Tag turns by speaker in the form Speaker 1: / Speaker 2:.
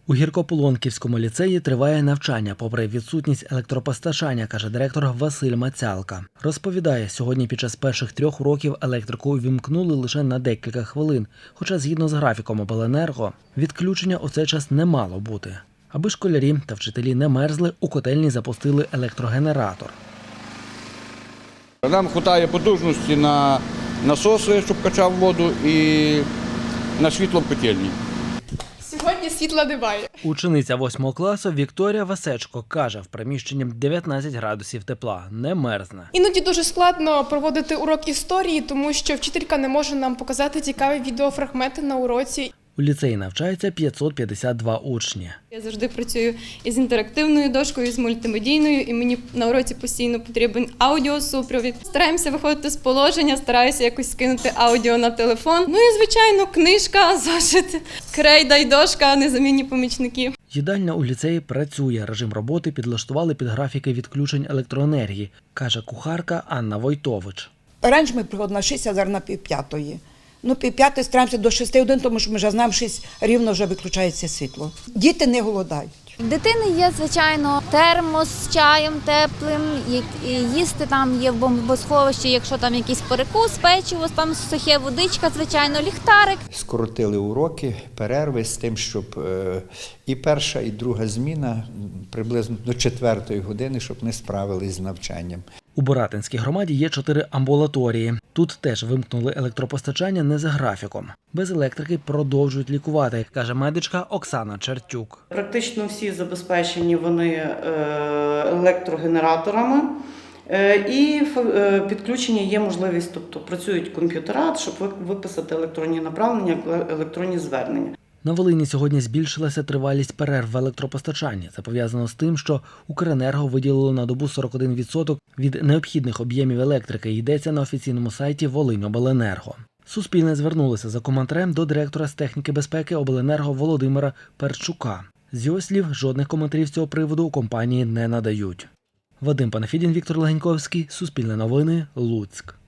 Speaker 1: У Гіркополонківському ліцеї триває навчання, попри відсутність електропостачання, каже директор Василь Мацялка. Розповідає, сьогодні під час перших 3 уроків електрику увімкнули лише на декілька хвилин, хоча згідно з графіком обленерго, відключення у цей час не мало бути. Аби школярі та вчителі не мерзли, у котельні запустили електрогенератор.
Speaker 2: Нам вистачає потужності на насоси, щоб качав воду, і на світло в котельні.
Speaker 3: Сьогодні світла немає.
Speaker 1: Учениця 8 класу Вікторія Васечко каже, в приміщенні 19 градусів тепла, не мерзне.
Speaker 3: Іноді дуже складно проводити урок історії, тому що вчителька не може нам показати цікаві відеофрагменти на уроці.
Speaker 1: У ліцеї навчається 552 учні.
Speaker 4: Я завжди працюю із інтерактивною дошкою, з мультимедійною, і мені на уроці постійно потрібен аудіосупровід. Стараємося виходити з положення, стараюся якось скинути аудіо на телефон. Ну і, звичайно, книжка, зошит, крейда й дошка, незамінні помічники.
Speaker 1: Їдальня у ліцеї працює, режим роботи підлаштували під графіки відключень електроенергії, каже кухарка Анна Войтович.
Speaker 5: Раніше ми приходили на 6, а зараз на 4:30. 5:30 стараємося до 6 годин, тому що ми вже знаємо, 6 рівно вже виключається світло. Діти не голодають.
Speaker 6: В дитини є, звичайно, термос з чаєм теплим, їсти там є в бомбосховищі, якщо там якийсь перекус, печиво, там сухе, водичка, звичайно, ліхтарик.
Speaker 7: Скоротили уроки, перерви з тим, щоб і перша, і друга зміна приблизно до 4 години, щоб не справились з навчанням.
Speaker 1: У Боратинській громаді є 4 амбулаторії. Тут теж вимкнули електропостачання не за графіком. Без електрики продовжують лікувати, каже медичка Оксана Чертюк.
Speaker 8: Практично всі забезпечені вони електрогенераторами і підключення є можливість, тобто працюють комп'ютера, щоб виписати електронні направлення, електронні звернення.
Speaker 1: На Волині сьогодні збільшилася тривалість перерв в електропостачанні. Це пов'язано з тим, що Укренерго виділило на добу 41% від необхідних об'ємів електрики, йдеться на офіційному сайті Волиньобленерго. Суспільне звернулося за коментарем до директора з техніки безпеки обленерго Володимира Перчука. З його слів, жодних коментарів з цього приводу у компанії не надають. Вадим Панафідін, Віктор Легеньковський, Суспільне новини, Луцьк.